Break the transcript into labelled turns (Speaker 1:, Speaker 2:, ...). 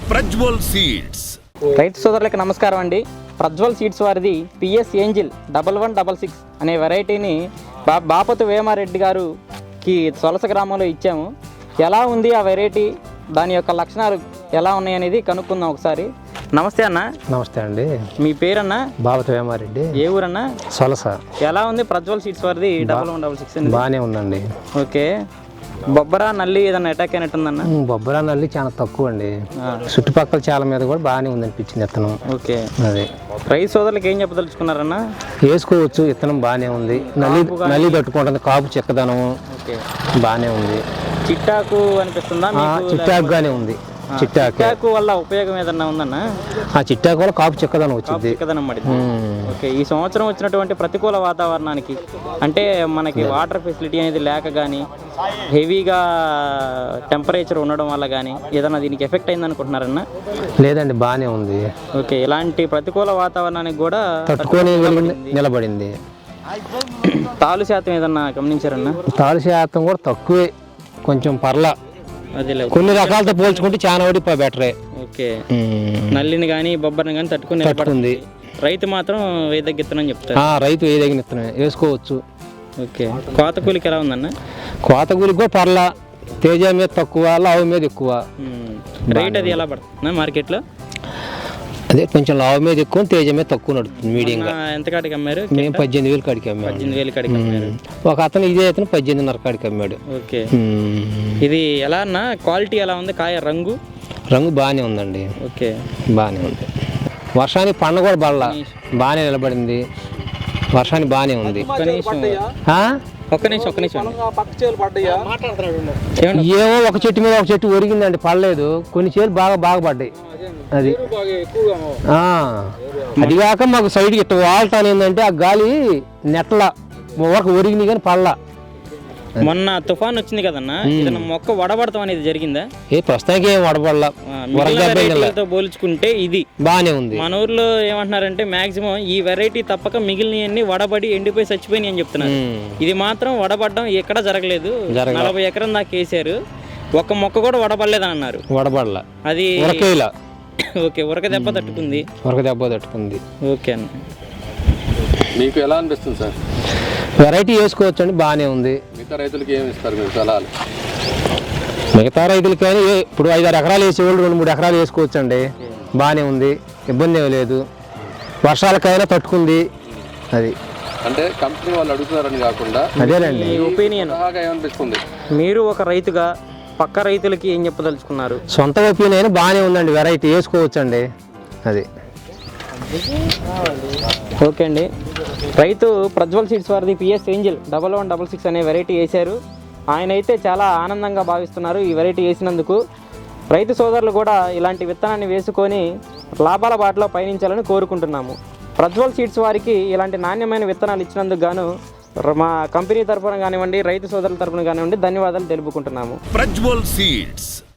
Speaker 1: Prajwal seeds.
Speaker 2: రైతు సోదరులకు నమస్కారం అండి. ప్రజ్వల్ సీడ్స్ వారిది పిఎస్ ఏంజిల్ 1166 అనే వెరైటీని బాపతు వేమారెడ్డి గారుకి సొలస గ్రామంలో ఇచ్చాము. ఎలా ఉంది ఆ వెరైటీ, దాని యొక్క లక్షణాలు ఎలా ఉన్నాయి అనేది కనుక్కుందాం ఒకసారి. నమస్తే అన్న.
Speaker 3: నమస్తే అండి.
Speaker 2: మీ పేరన్నా?
Speaker 3: బాపతు వేమారెడ్డి.
Speaker 2: ఏ ఊరన్నా?
Speaker 3: సొలస.
Speaker 2: ఎలా ఉంది ప్రజ్వల్ సీడ్స్ వారిది 1166?
Speaker 3: బాగానే ఉందండి.
Speaker 2: ఓకే. బొబ్బరా నల్లి ఏదన్నా అటాక్ అయినట్టుందన్న?
Speaker 3: బొబ్బరా నల్లి చాలా తక్కువ అండి. చుట్టుపక్కల చాలా మీద కూడా బాగానే ఉందనిపించింది విత్తనం.
Speaker 2: ఓకే.
Speaker 3: అదే
Speaker 2: రైతు సోదరులకు ఏం చెప్పదలుచుకున్నారన్నా?
Speaker 3: వేసుకోవచ్చు, విత్తనం బాగానే ఉంది. నల్లి తట్టుకుంటుంది, కాపు చెక్కదనం బాగానే ఉంది.
Speaker 2: చిట్టాకు అనిపిస్తుందా?
Speaker 3: చిట్టాకు గానే ఉంది.
Speaker 2: చిట్టాకు వల్ల ఉపయోగం ఏదన్నా ఉందన్నా?
Speaker 3: ఆ చిట్టాకు వల్ల కాపు చెక్కదనం వచ్చింది.
Speaker 2: ఓకే. ఈ సంవత్సరం వచ్చినటువంటి ప్రతికూల వాతావరణానికి, అంటే మనకి వాటర్ ఫెసిలిటీ అనేది లేక కానీ, హెవీగా టెంపరేచర్ ఉండడం వల్ల కానీ ఏదన్నా దీనికి ఎఫెక్ట్ అయింది అనుకుంటున్నారన్నా?
Speaker 3: లేదండి, బాగానే ఉంది.
Speaker 2: ఓకే. ఇలాంటి ప్రతికూల వాతావరణానికి కూడా
Speaker 3: తట్టుకొని నిలబడింది.
Speaker 2: తాలు శాతం ఏదన్నా గమనించారన్నా?
Speaker 3: తాలు శాతం కూడా తక్కువే, కొంచెం పర్లా. కొన్ని రకాలతో పోల్చుకుంటే చాలా వడి బెటరే.
Speaker 2: ఓకే. నల్లిని కానీ బొబ్బరిని కానీ తట్టుకుంది. రైతు మాత్రం వేదగిన విత్తనం చెప్తారు.
Speaker 3: రైతు వేదగిన విత్తనం వేసుకోవచ్చు.
Speaker 2: ఓకే. కోత కూలికి ఎలా ఉందన్న?
Speaker 3: కోత కూలికి కూడా పర్లా. తేజ మీద తక్కువ, లావు మీద ఎక్కువ.
Speaker 2: రేట్ అది ఎలా పడుతుంది మార్కెట్లో?
Speaker 3: అదే కొంచెం లావు మీద ఎక్కువ, తేజ మీద తక్కువ నడుస్తుంది. మీడియంగా.
Speaker 2: ఎంత కాడికి అమ్మారు?
Speaker 3: మేము 18,000 కాడికి అమ్మాము.
Speaker 2: 18,000 కాడికి అమ్మారు.
Speaker 3: ఒక అతను ఇదే అతను 18,500 కాడికి అమ్మాడు.
Speaker 2: ఓకే. ఇది ఎలా అన్న క్వాలిటీ ఎలా ఉంది? కాయ రంగు
Speaker 3: బాగానే ఉందండి.
Speaker 2: ఓకే.
Speaker 3: బాగానే ఉంది. వర్షానికి పండ కూడా బాగానే నిలబడింది. వర్షానికి బాగానే ఉంది.
Speaker 2: ఒక్క నిమిషం.
Speaker 3: ఏమో ఒక చెట్టు మీద ఒక చెట్టు ఒరిగిందండి, పడలేదు. కొన్ని చేలు బాగా పడ్డాయి. అది కాక మాకు సైడ్కి ఇట్లా వాడటాను ఏంటంటే ఆ గాలి నెట్ల వరకు ఒరిగినాయి కానీ పడలా.
Speaker 2: మొన్న తుఫాన్ వచ్చింది కదన్నా, ఏదైనా మొక్క వడబడతాం అనేది జరిగిందా?
Speaker 3: ప్రస్తుతానికి ఏం వడబడలా.
Speaker 2: పోల్చుకుంటే ఇది బాగానే ఉంది. మన ఊర్లో ఏమంటున్నారంటే మాక్సిమం ఈ వెరైటీ తప్పక మిగిలినవన్నీ వడబడి ఎండిపోయి చచ్చిపోయినాయి అని చెప్తున్నారు. ఇది మాత్రం వడబడడం ఎక్కడ జరగలేదు. 40 ఎకరం దాకా వేసారు, ఒక్క మొక్క కూడా వడబడలేదని అన్నారు.
Speaker 3: వడబడలా.
Speaker 2: అది ఓకే. ఉరక దెబ్బ తట్టుకుంది. ఓకే అన్న.
Speaker 4: మీకు ఎలా అనిపిస్తుంది సార్?
Speaker 3: వెరైటీ వేసుకోవచ్చు అండి, బాగానే ఉంది.
Speaker 4: మిగతా రైతులకి ఏమి ఇస్తారు మీరు సలహాలు?
Speaker 3: మిగతా రైతులకి కానీ ఇప్పుడు 5-6 ఎకరాలు వేసేవాళ్ళు 2-3 ఎకరాలు వేసుకోవచ్చు అండి, బాగానే ఉంది, ఇబ్బంది ఏమి లేదు. వర్షాలకైనా తట్టుకుంది. అది
Speaker 4: అంటే కంపెనీ వాళ్ళు అడుగుతున్నారని కాకుండా
Speaker 3: అదేనండి
Speaker 2: ఒపీనియన్.
Speaker 4: ఏమనిపిస్తుంది?
Speaker 2: మీరు ఒక రైతుగా పక్క రైతులకి ఏం చెప్పదలుచుకున్నారు?
Speaker 3: సొంత ఒపీనియన్ బాగానే ఉందండి, వెరైటీ వేసుకోవచ్చు అండి. అది
Speaker 2: ఓకే అండి. రైతు ప్రజ్వల్ సీడ్స్ వారిది పిఎస్ ఏంజిల్ 1166 అనే వెరైటీ వేశారు. ఆయన అయితే చాలా ఆనందంగా భావిస్తున్నారు ఈ వెరైటీ వేసినందుకు. రైతు సోదరులు కూడా ఇలాంటి విత్తనాన్ని వేసుకొని లాభాల బాటలో పయనించాలని కోరుకుంటున్నాము. ప్రజ్వల్ సీడ్స్ వారికి ఇలాంటి నాణ్యమైన విత్తనాలు ఇచ్చినందుకు గాను మా కంపెనీ తరఫున కానివ్వండి, రైతు సోదరుల తరఫున కానివ్వండి ధన్యవాదాలు తెలుపుకుంటున్నాము.
Speaker 1: ప్రజ్వల్ సీడ్స్.